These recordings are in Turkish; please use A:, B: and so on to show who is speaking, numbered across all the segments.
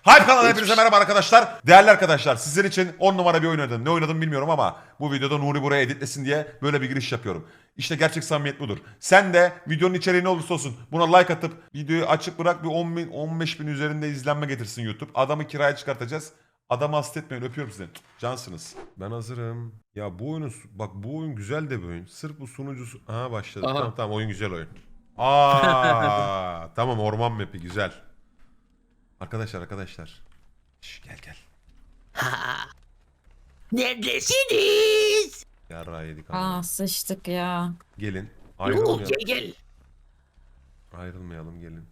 A: Hype kanalına hepinize merhaba arkadaşlar. Değerli arkadaşlar, sizler için 10 numara bir oyun oynadım. Ne oynadım bilmiyorum ama bu videoda Nuri buraya editlesin diye böyle bir giriş yapıyorum. İşte gerçek samimiyet budur. Sen de videonun içeriği ne olursa olsun buna like atıp videoyu açık bırak, bir 10 bin 15 bin üzerinde izlenme getirsin YouTube. Adamı kiraya çıkartacağız. Adamı hasta etmeyin, öpüyorum sizi. Cansınız. Ben hazırım. Ya bu oyunun, bak bu oyun güzel de bir oyun. Sırf bu sunucusu... Aha başladı.
B: Aha.
A: Tamam oyun güzel oyun. Aa tamam, orman map'i güzel. Arkadaşlar. Şş, gel.
C: Neredesiniz?
A: Yarrağı yedik ama.
D: Sıçtık ya.
A: Gelin.
C: Yok
A: Ayrılmayalım.
C: gel.
A: Ayrılmayalım, gelin.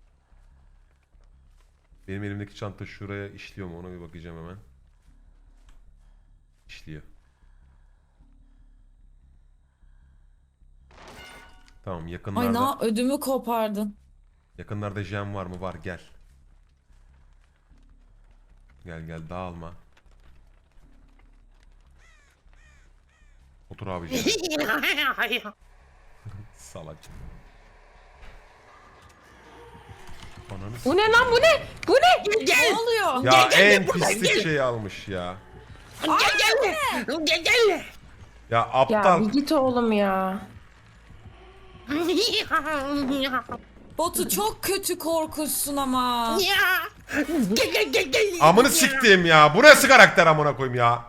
A: Benim elimdeki çanta şuraya işliyor mu, ona bir bakacağım hemen. İşliyor. Tamam,
D: Ay
A: yakınlarda.
D: ödümü kopardın.
A: Yakınlarda jam var mı? Var, gel. Gel dağılma. Otur abiciğim. Salak. Ananı
B: Bu ne lan, bu ne? Bu ne?
C: Gel.
D: Ne oluyor?
A: Ya
C: Gel, gel,
A: en
C: buradan
A: pislik
C: gel.
A: şeyi almış ya.
C: Gel.
A: Ya
B: Ya
A: aptal.
B: bir git oğlum ya.
D: Botu çok kötü korkutsun ama.
C: Gel.
A: Amını siktiğim ya. Bu nasıl karakter amına koyayım ya.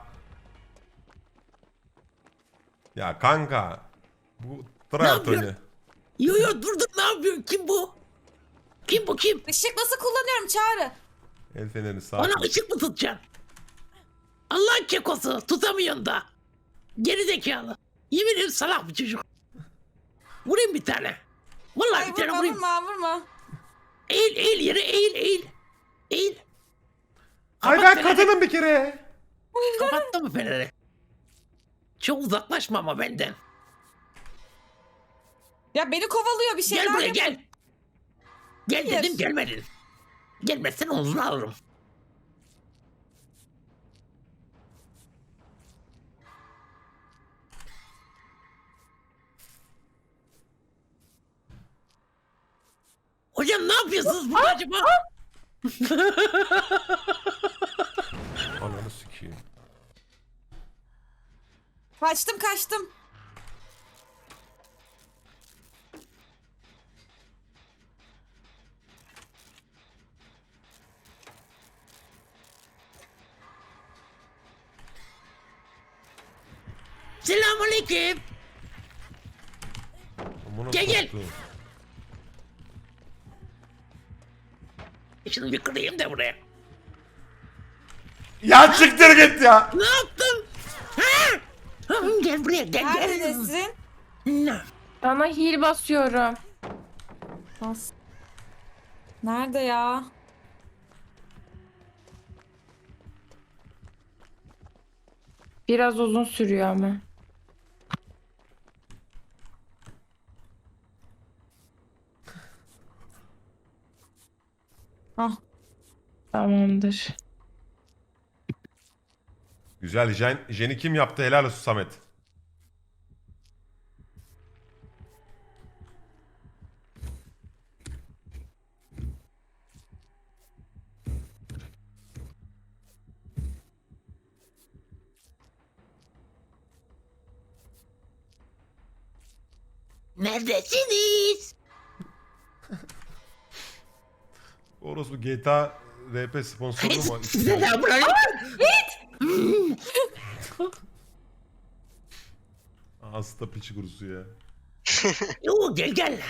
A: Ya kanka. Bu tryhard
C: yapıyorsun?
A: oyunu.
C: Yo dur ne yapıyorsun? Kim bu?
D: Işık nasıl kullanıyorum Çağrı?
A: El fenerini sağa
C: Bana
A: koy.
C: ışık mı tutacaksın? Allah'ın kekosu tutamıyorsun da. Geri zekalı. Yemin ederim salak bir çocuk. Vurayım bir tane. Vallahi
D: Ay
C: bir tane
D: vurma
C: vurayım.
D: vurma.
C: Eğil yere eğil.
A: Ay
C: Kapat
A: ben
C: feneri.
A: kadınım bir kere.
C: Kapattın mı feneri? Çok uzaklaşma ama benden.
D: Ya beni kovalıyor bir şeyler.
C: Gel buraya
D: yap-
C: gel. Gel
D: Hayır.
C: dedim gelmedin. Gelmezsen omzunu alırım. Hocam ne yapıyorsunuz burada acaba?
A: Ananı sikeyim.
D: Kaçtım.
C: Selamünaleyküm.
A: Amına
C: Gel.
A: soktuğum.
C: Şunu bir kırayım da buraya.
A: Ya çıktır git ya.
C: Ne yaptın? Ha? Gel buraya gel.
D: Neredesin?
C: Ne?
B: Sana heal basıyorum.
D: Bas. Nerede ya?
B: Biraz uzun sürüyor ama.
D: Ah.
B: Tamamdır.
A: Güzel. Jen'i kim yaptı? Helal olsun Samet.
C: Neredesiniz?
A: Orası GTA RP sponsoru mu?
C: Selamünaleyküm.
A: Hasta piçi kurusu ya.
C: Yo gel. Gel.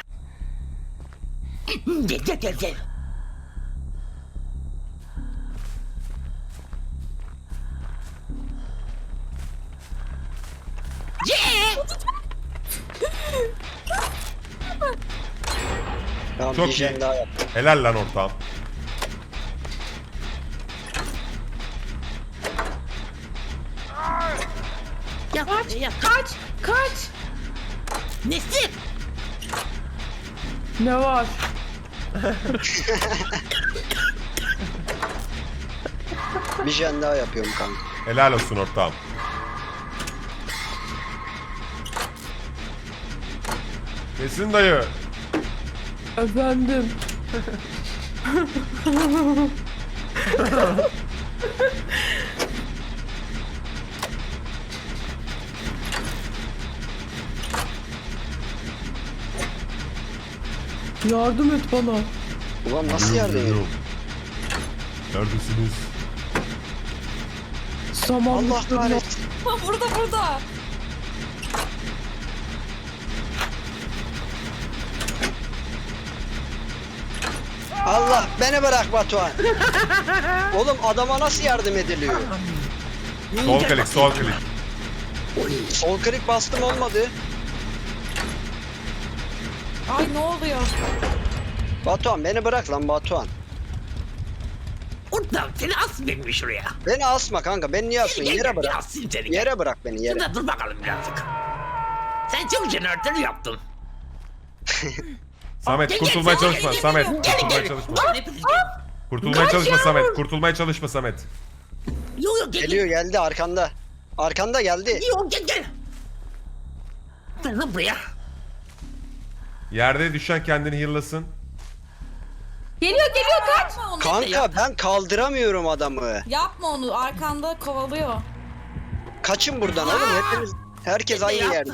E: Tamam,
A: Çok
E: bir
A: iyi.
E: jen daha yap.
A: Helal lan ortağım.
C: Ya.
B: Kaç.
C: Nesli?
B: Ne var?
E: Bir jen daha yapıyorum kanka.
A: Helal olsun ortağım. Kesin dayı.
B: Efendim. Yardım et bana.
E: Ulan nasıl yardım ediyor?
A: Neredesiniz?
B: Samanlık
E: Allah kahretsin.
D: Ha, burada.
E: Allah beni bırak Batuhan. Oğlum adama nasıl yardım ediliyor?
A: Sol klik, sol klik.
E: Sol klik bastım olmadı.
D: Ay ne oluyor?
E: Batuhan beni bırak lan Batuhan.
C: Ortam seni asmayayım mı şuraya?
E: Beni asma kanka. Beni niye asıyorsun? Yere bırak.
C: Asayım seni.
E: Yere bırak beni yere.
C: Şurada dur bakalım birazcık. Sen çok jeneratör yaptın.
A: Samet
C: Gel,
A: kurtulmaya
C: gel,
A: çalışma
C: gel,
A: Samet.
C: gel,
A: Kurtulmaya
C: gel.
A: çalışma.
C: Ulan hepiniz gelin.
A: Kurtulmaya çalışma Samet. Kurtulmaya çalışma Samet.
C: Yok yok gel.
E: Geliyor geldi arkanda. Arkanda geldi.
C: Yok gel. Gel lan buraya.
A: Yerde düşen kendini heal'lasın.
B: Geliyor kaç.
D: Yapma onu.
E: Kanka ben kaldıramıyorum adamı.
D: Yapma onu. Arkanda kovalıyor.
E: Kaçın buradan oğlum. Hepimiz herkes aynı yerde.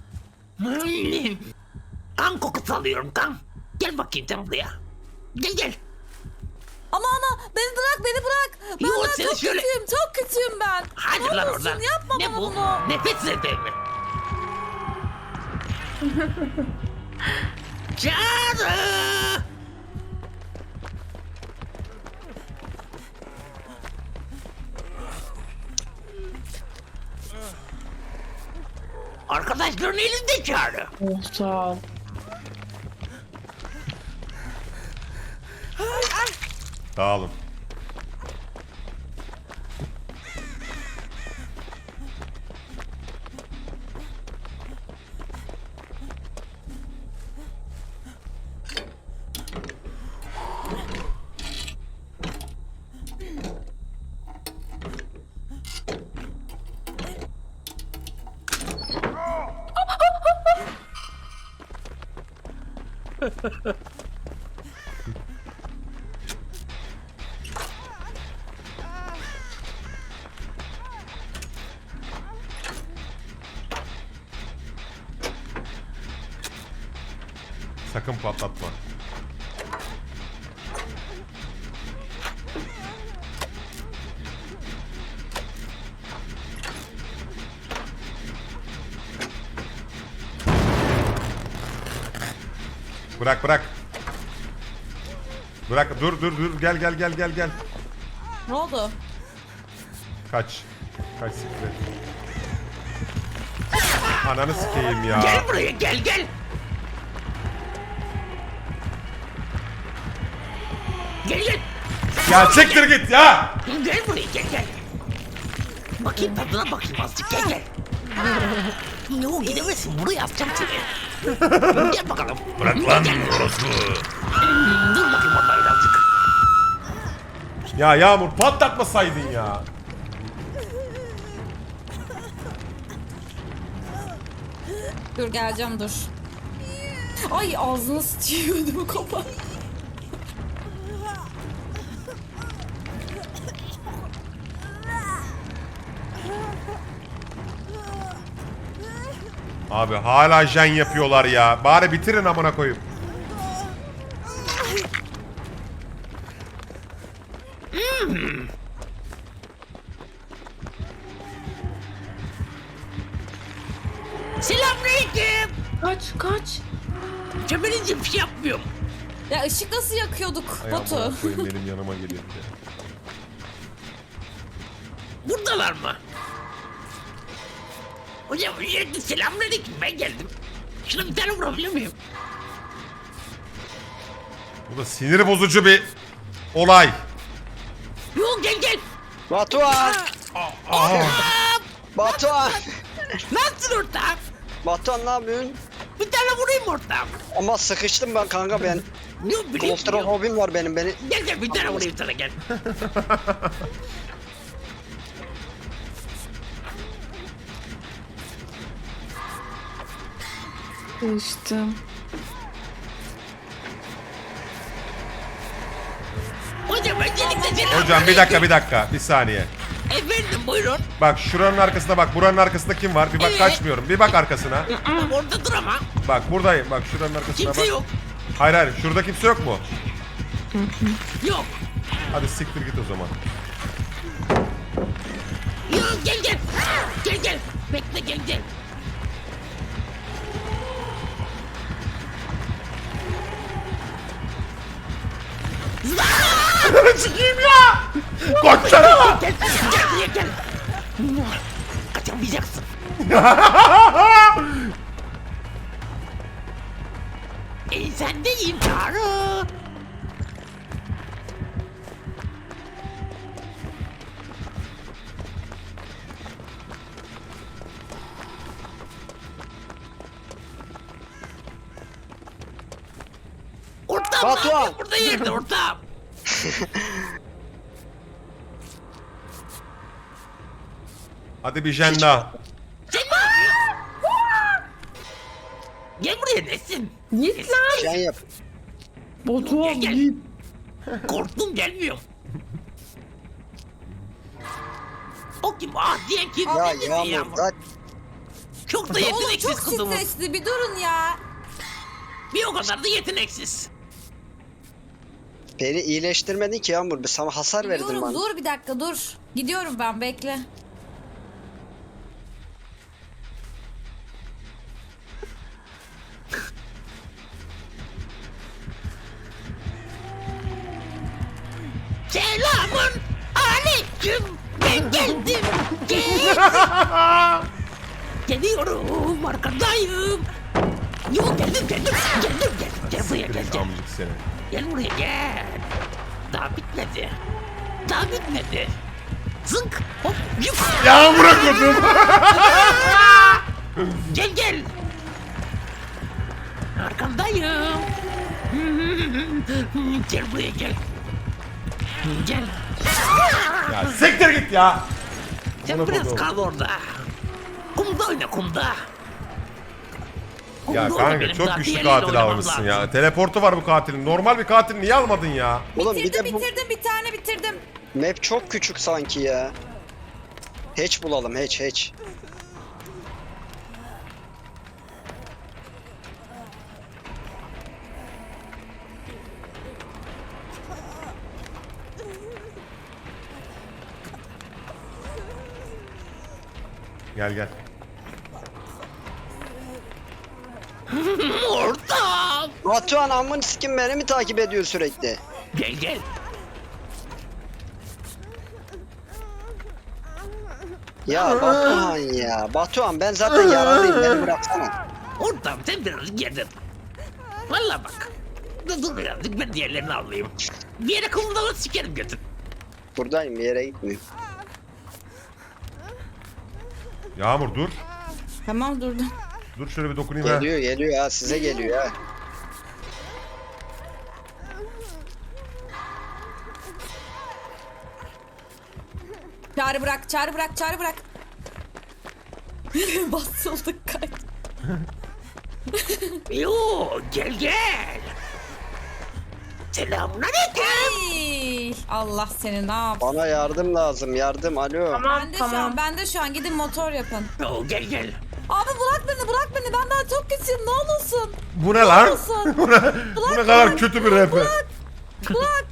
C: Kan kokusu alıyorum kan. Gel bakayım sen buraya. Gel.
D: Ama beni bırak. Ben
C: Yok,
D: ben
C: seni
D: çok
C: şöyle-
D: kötüyüm. Çok kötüyüm ben.
C: Hadi
D: Ne
C: lan
D: olursun,
C: oradan.
D: yapma
C: Ne
D: bana
C: bu?
D: bunu.
C: Nefes nefes mi? Çağrı! Arkadaşların elinde Çağrı.
B: Oh sağ ol.
A: Dağılın. Sakın patlatma. Bırak bırak. Bırak dur gel.
D: Ne oldu?
A: Kaç. Kaç siktir. Ananı sikeyim ya.
C: Gel buraya gel. Gel gel.
A: Ya siktir git ya.
C: Gel buraya gel. Bakayım tadına bakayım azıcık gel. Yok gidemezsin buraya atacağım seni. Gel bakalım.
A: Bırak lan orospu.
C: Dur bakayım orada birazcık.
A: Ya Yağmur patlatmasaydın ya.
D: Dur geleceğim dur. Ay ağzını sıçıyor ödümü kapat.
A: Abi hala jen yapıyorlar ya. Bari bitirin amına koyayım.
C: Selamünaleyküm.
B: Kaç.
C: Cebelinciğim bir şey yapmıyorum.
D: Ya ışık nasıl yakıyorduk
A: Ay
D: Batu?
A: amına koyayım, benim yanıma geliyor bir de.
C: Buradalar mı? Hocam öncelikle selamünaleyküm ben geldim. Şuna bir tane vurabilir miyim?
A: Bu da sinir bozucu bir olay.
C: Yok gel.
E: Batuhan! Batuhan!
C: Nasılsın ortam?
E: Batuhan ne yapıyorsun?
C: Bir tane vurayım ortam.
E: Ama sıkıştım ben kanka ben.
C: Yok bileyim.
E: Klostrofobim var benim beni.
C: Gel bir tane vurayım sana gel.
B: Düştüm.
C: Hocam öncelikle
A: Hocam bir dakika bir saniye.
C: Efendim buyurun.
A: Bak şuranın arkasında bak, buranın arkasında kim var? Bir bak,
C: Evet.
A: kaçmıyorum. Bir bak arkasına.
C: Orada dur ama.
A: Bak buradayım. Bak şuranın arkasına
C: Kimse
A: bak.
C: yok.
A: Hayır şurada kimse yok mu?
C: Yok.
A: Hadi siktir git o zaman.
C: Yok gel. Gel. Bekle gel.
A: Çıkayım ya! Koçlara!
C: Gel buraya gel. Kaçamayacaksın. Sen de intiharı. Ortam
E: Batuhan.
C: burada yerde ortam.
A: Hadi bir jenda.
C: Sen ne yapıyorsun? Gel buraya Nesin.
B: Git lan.
E: Can yap.
B: Batuhan
C: Gel.
B: git.
C: Korktum gelmiyor. O kim? Ah diyen kim?
E: Ya
C: Ne dedi
E: Yağmur zaten
C: Çok da
D: Oğlum
C: yeteneksiz
D: çok
C: kızımız.
D: stresli bir durun ya.
C: Bir o kadar da yeteneksiz.
E: beni iyileştirmedin ki Yağmur. Sana hasar verdin
D: Gidiyorum
E: bana.
D: dur bir dakika dur. Gidiyorum ben bekle.
C: Selamun aleyküm. Ben geldim. Geliyorum arkandayım. Yok geldim. Gel buraya gel.
A: Amcık seni.
C: Gel buraya gel. Daha bitmedi. Zınk hop yuk.
A: Yağmur'a koydum.
C: Gel. Arkandayım. Gel buraya gel. Gel.
A: Ya siktir git ya.
C: Sen
A: Buna
C: biraz
A: koydum.
C: kal orada. Kumda oyna kumda.
A: Ya
C: Kumda oyna,
A: kanka
C: benim
A: çok
C: daha
A: güçlü
C: diğeriyle
A: katil
C: oynamam
A: almışsın
C: lazım.
A: ya. Teleportu var bu katilin. Normal bir katil niye almadın ya?
E: Oğlum bir
D: Bitirdim
E: de bu
D: bir tane bitirdim.
E: map çok küçük sanki ya. Hatch bulalım hatch.
A: Gel.
C: Ortam.
E: Batuhan amın sikim beni mi takip ediyor sürekli?
C: Gel.
E: Ya Batuhan ya. Batuhan ben zaten yaralıyım beni bıraksana.
C: Ortam sen biraz yedin. Valla bak. Dur birazcık ben diğerlerini alayım. Bir yere kumdalı sikerim götür.
E: Buradayım bir yere gitmiyorum.
A: Yağmur dur.
D: Tamam durdum.
A: Dur şöyle bir dokunayım ha.
E: Geliyor ha size geliyor ha.
D: Çağrı bırak. Basıldık kaç.
C: Yo gel. Selamünaleyküm.
D: Ay, Allah seni ne yap?
E: Bana yardım lazım yardım alo.
D: Ben de şu an gidin motor yapın.
C: Yo gel.
D: Abi bırak beni ben daha çok kötüyüm ne olursun.
A: Bu ne lan?
D: olsun.
A: bu ne kadar kötü bir rap.
D: Bırak.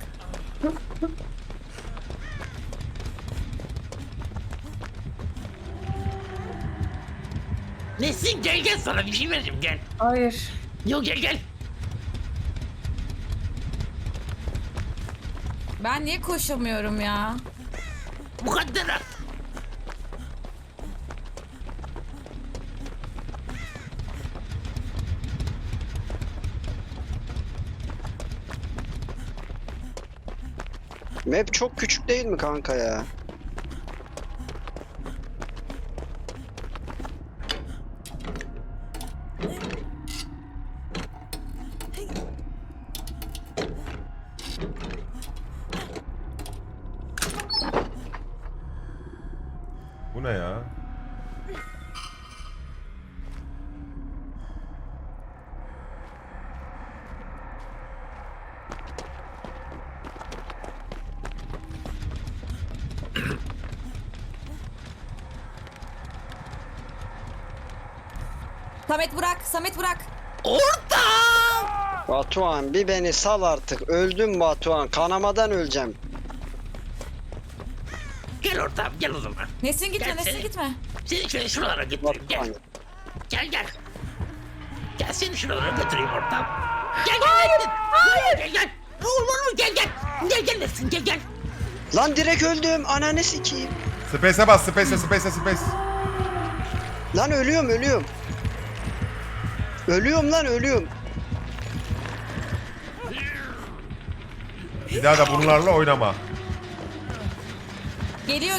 C: Nesin gel sana bir şey vereceğim gel.
B: Hayır.
C: Yo gel.
D: Ben niye koşamıyorum ya?
C: Mukadderat.
E: Map çok küçük değil mi kanka ya?
A: Bu ne ya?
D: Samet bırak, Samet bırak.
C: Ortam!
E: Batuhan bir beni sal artık. Öldüm Batuhan. Kanamadan öleceğim.
C: Gel ortam gel o zaman.
D: Nesrin gitme,
C: Gel
D: Nesrin
C: seni.
D: gitme.
C: Seni şöyle şuralara götüreyim gel.
E: Batuhan.
C: Gel. Gel seni şuralara götüreyim ortam. Gel gel. Hayır. Gel. Olur gel. Gel Nesin gel.
E: Lan direkt öldüm. Ananı sikeyim.
A: Space'e bas, space.
E: Lan ölüyorum. Ölüyorum lan ölüyorum.
A: Bir daha da bunlarla oynama.
D: Geliyor.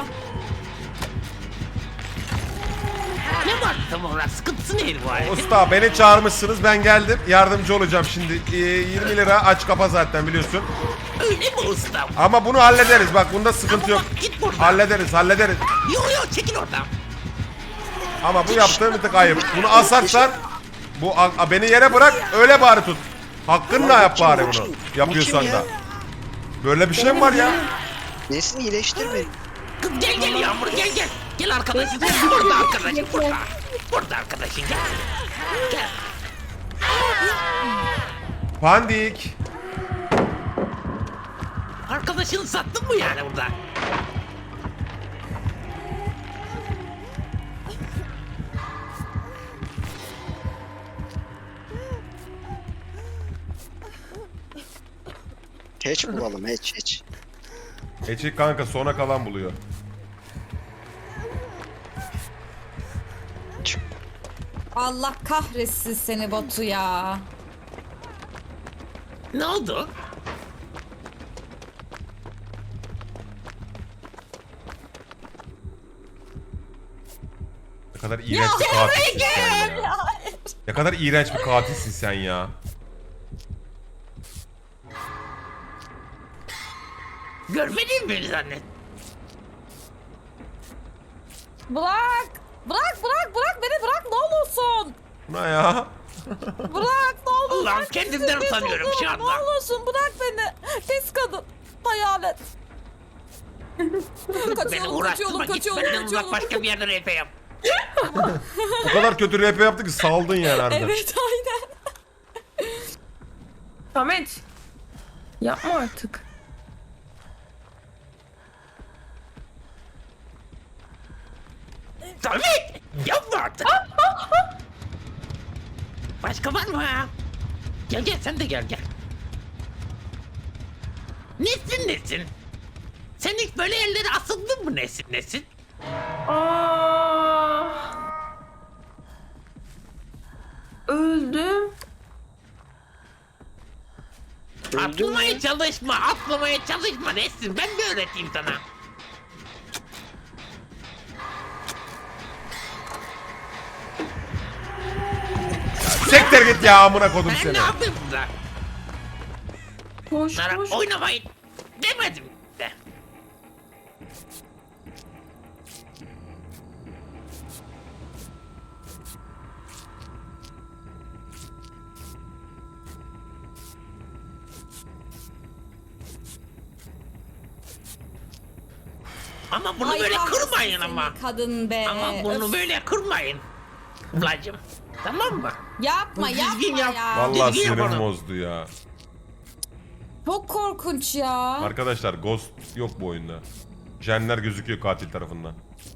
C: Ne var tam olarak sıkıntısı neydi bu aletin?
A: Usta beni çağırmışsınız, ben geldim. Yardımcı olacağım şimdi. 20 lira aç kapa zaten biliyorsun.
C: Öyle mi ustam?
A: Ama bunu hallederiz. Bak bunda sıkıntı yok.
C: Git buradan.
A: Hallederiz.
C: Yok çekil oradan.
A: Ama bu yaptığın bir tık ayıp. Bunu asarsan beni yere bırak, öyle bari tut. Hakkınla yap bari bunu. Yapıyorsan da. Böyle bir şey mi var ya?
E: Nesin iyileştir beni.
C: Kız gel Yağmur gel. Gel arkadaşım. Burada arkadaşım burada. Burada arkadaşım gel.
A: Pandik.
C: Arkadaşını sattın mı yani burada?
E: Hatch bulalım hatch.
A: Eçik kanka sona kalan buluyor.
D: Allah kahretsin seni Batu ya.
C: Ne oldu?
A: Ne kadar iğrenç bir katilsin sen ya. Ne kadar iğrenç bir katilsin sen ya.
C: Görmedin mi beni zannet?
D: Bırak beni bırak ne olursun.
A: Ne ya?
D: Bırak ne olursun.
C: Allah'ım kendimden utanıyorum şu anda.
D: Ne olursun bırak beni. Pis kadın. Hayalet.
C: Beni uğraştırma git benden uzak başka bir yerde RP yap.
A: O kadar kötü rap yaptı ki saldın yani harbiden.
D: Evet aynen.
B: Samet. Yapma artık.
C: Samet! Yapma artık! Başka var mı ha? Gel sen de gel. Nesin? Sen hiç böyle yerlere asıldın mı Nesin?
B: Öldüm.
C: Atlamaya çalışma Nesin. Ben de öğreteyim sana.
A: Sektir git ya amına kodum
C: Ben
A: seni.
C: ne yapayım burada?
B: Koş.
C: Bunlara oynamayın demedim de. Ama bunu
D: Ay,
C: böyle
D: kahretsin
C: kırmayın
D: seni
C: ama.
D: Kadın be.
C: Ama bunu
D: Öf.
C: böyle kırmayın. Ablacım. Tamam mı?
D: Yapma
C: Düzgün yap.
D: ya.
A: Vallahi
C: Düzgün
A: sinirim
C: yapalım.
A: bozdu ya.
D: Çok korkunç ya.
A: Arkadaşlar ghost yok bu oyunda. Jenler gözüküyor katil tarafından.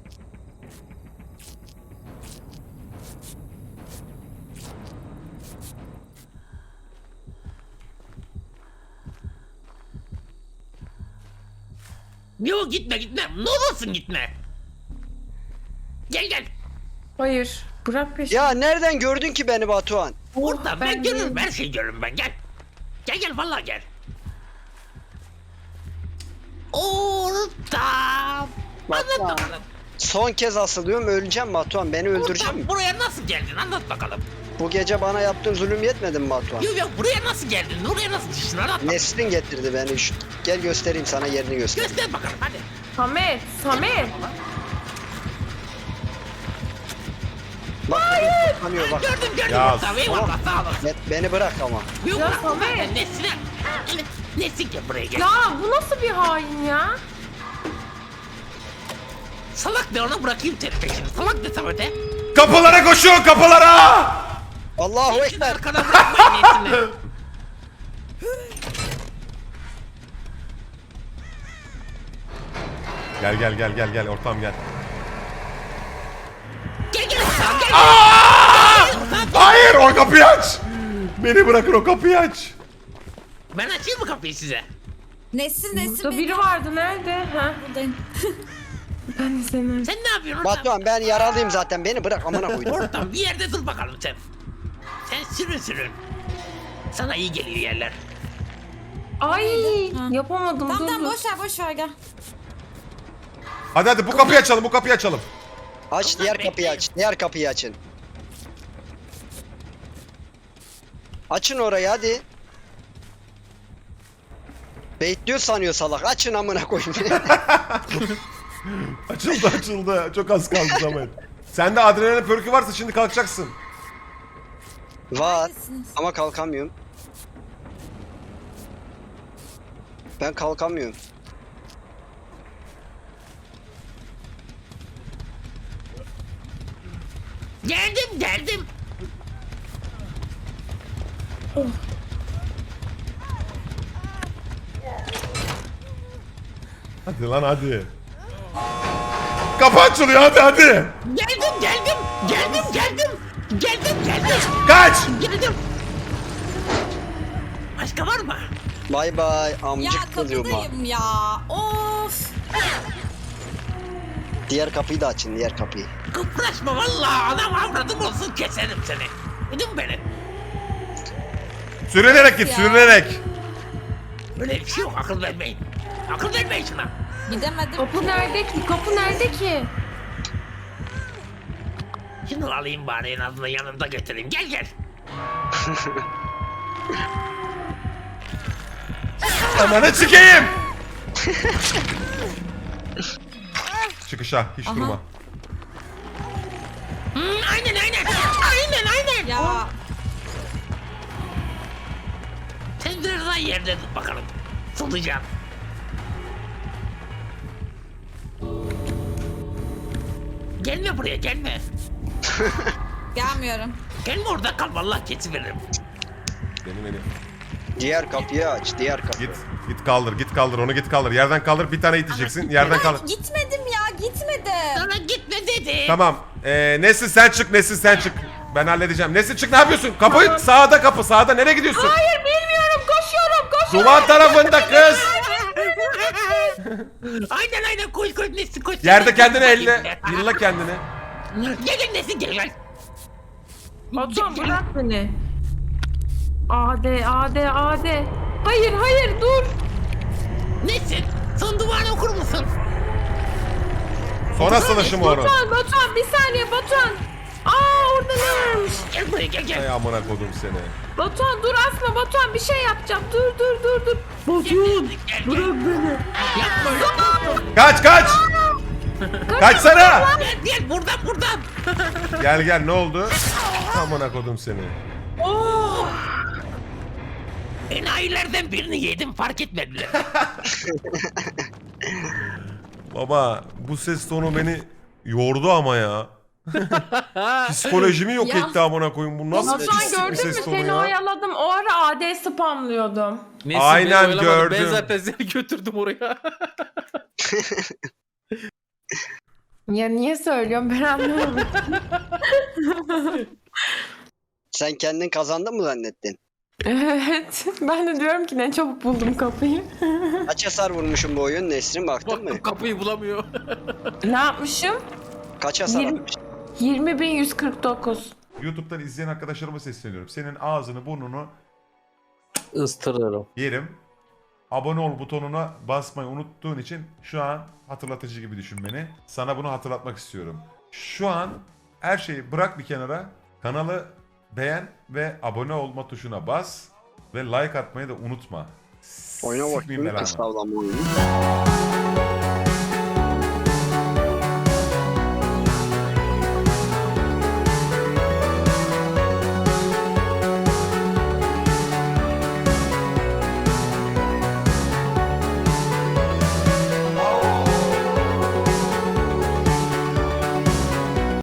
C: Yok gitme. Ne olursun gitme. Gel.
B: Hayır. Bırak peşimi.
E: Ya nereden gördün ki beni Batuhan?
C: Orada ben görürüm.
B: değilim.
C: Her şeyi görürüm ben. Gel. Gel vallahi gel. Orta. Anlat bakalım.
E: Son kez asılıyorum öleceğim Batuhan. Beni öldüreceğim mi?
C: Orta buraya nasıl geldin? Anlat bakalım.
E: Bu gece bana yaptığın zulüm yetmedi mi Batuhan?
C: Yok buraya nasıl geldin? Oraya nasıl düştün? Anlat bakalım.
E: Nesrin getirdi beni. Gel göstereyim sana yerini göster.
C: Göster bakalım hadi.
B: Samet.
E: Bak tanıyor bak.
C: Gördüm
A: Ya,
C: orta. Eyvallah sağ olasın.
E: Beni bırak ama.
C: Yok
B: Ya
C: bırak.
B: Samet.
C: Nesine. Nesin gel buraya gel.
B: Ya bu nasıl bir hain ya?
C: Salak de ona bırakayım seni peşini. Salak de Samet'e.
A: Kapılara koşun, kapılara!
E: Allahu
C: Şimdi
E: Ekber.
C: arkana bırakmayın niyetini.
A: Gel ortam gel.
C: Gel gel Hasan gel.
A: Hayır, o kapıyı aç. Beni bırakın, o kapıyı aç.
C: Ben açayım mı kapıyı size?
D: Nesin
B: Burada biri vardı. Nerede? Ha?
D: buradayım.
B: Ben de seni.
C: Sen ne yapıyorsun ortam?
E: Batuhan ben yaralıyım zaten. Beni bırak amına koydum.
C: Ortam bir yerde dur bakalım sen. Sen sürün. Sana iyi geliyor yerler.
B: Ay
D: Ha.
B: yapamadım.
D: Tamam
B: dur,
D: tamam
B: dur.
D: boş ver gel.
A: Hadi bu kapıyı açalım, bu kapıyı açalım.
E: Aç diğer kapıyı aç. Diğer kapıyı açın. Açın orayı hadi. Bekliyor sanıyor salak. Açın amına koyayım.
A: Açıldı. Çok az kaldı Samet. Sende adrenalin pörkü varsa şimdi kalkacaksın.
E: Var
D: Neredesiniz?
E: ama kalkamıyorum. Ben kalkamıyorum.
C: Geldim.
A: Hadi lan hadi. Kapı açılıyor, hadi.
C: Geldim.
A: Kaç!
C: Geldim. Başka var mı?
E: Bay bay
D: Ya
E: amcık kızıma.
D: kapıdayım ya. Of.
E: Diğer kapıyı da açın, diğer kapıyı.
C: Kıpraşma vallahi adam avradım olsun keserim seni. Duydun beni?
A: Sürünerek git,
D: Ya.
A: sürünerek.
C: Böyle bir şey yok akıl vermeyin. Akıl vermeyin şuna.
D: Gidemedim.
B: Kapı nerede ki? Kapı nerede ki?
C: Şunu alayım bari en azından yanında getireyim. Gel.
A: Amanı çıkayım. Çıkışa, hiç durma.
C: Aynen.
D: Ya
C: Sen biraz daha yerde tut bakalım. Solacağım. Gelme buraya gelme.
D: gelmiyorum.
C: Gelme orada kal vallahi kesiveririm.
A: Beni.
E: Diğer kapıyı aç, diğer kapı.
A: Git kaldır onu, git kaldır. Yerden kaldır, bir tane iteceksin. Yerden kaldır.
D: Gitmedim ya gitmedim.
C: Sana gitme dedi.
A: Tamam. Nesin sen çık. Ben halledeceğim. Nesin çık, ne yapıyorsun? Kapı sağda, kapı sağda. Nereye gidiyorsun?
B: Hayır bilmiyorum. Koşuyorum.
A: Duvar tarafında kız.
C: Aynen koş Nesin koş.
A: Yerde kendini elle. Yılla kendini.
C: Gel Nesin gel.
B: Batuhan bırak beni. AD. Hayır dur.
C: Nesin? Son duvarını okur musun?
A: Sonra sınışım onu.
B: Batuhan bir saniye Batuhan. Orada ne varmış?
C: Gel buraya gel.
A: Ay amına kodum seni.
B: Batuhan dur asma Batuhan bir şey yapacağım. Dur. Batuhan bırak beni.
C: Yapma.
A: Kaç. Kaçsana.
C: Gel buradan.
A: Gel ne oldu? Amına kodum seni.
C: Enayilerden birini yedim fark etmediler.
A: Baba bu ses tonu beni yordu ama ya. Psikolojimi yok
D: Ya.
A: etti amına koyayım. Bu nasıl
B: Batuhan
A: pislik bir
B: gördün mü
A: ses tonu
B: seni
A: ya?
B: oyaladım. O ara AD spamlıyordum.
F: Neyse,
A: Aynen,
F: beni oyalamadı.
A: gördüm.
F: Ben zaten seni götürdüm oraya.
B: Ya niye söylüyorum ben anlamadım.
E: Sen kendin kazandın mı zannettin?
B: Evet. Ben de diyorum ki ne çabuk buldum kapıyı.
E: Kaç hasar vurmuşum bu oyun Nesrin baktın mı?
F: Baktım kapıyı bulamıyor.
B: Ne yapmışım?
E: Kaç hasar
B: 20.
E: atmış?
B: 20.149.
A: YouTube'dan izleyen arkadaşlarıma sesleniyorum. Senin ağzını burnunu
F: Istırırım.
A: yerim. Abone ol butonuna basmayı unuttuğun için şu an hatırlatıcı gibi düşün beni. Sana bunu hatırlatmak istiyorum. Şu an her şeyi bırak bir kenara. Kanalı beğen ve abone olma tuşuna bas. Ve like atmayı da unutma.
E: Oyuna
A: Sikmeyeyim
E: bakayım
A: belanı.
E: kıstavlama oyunu.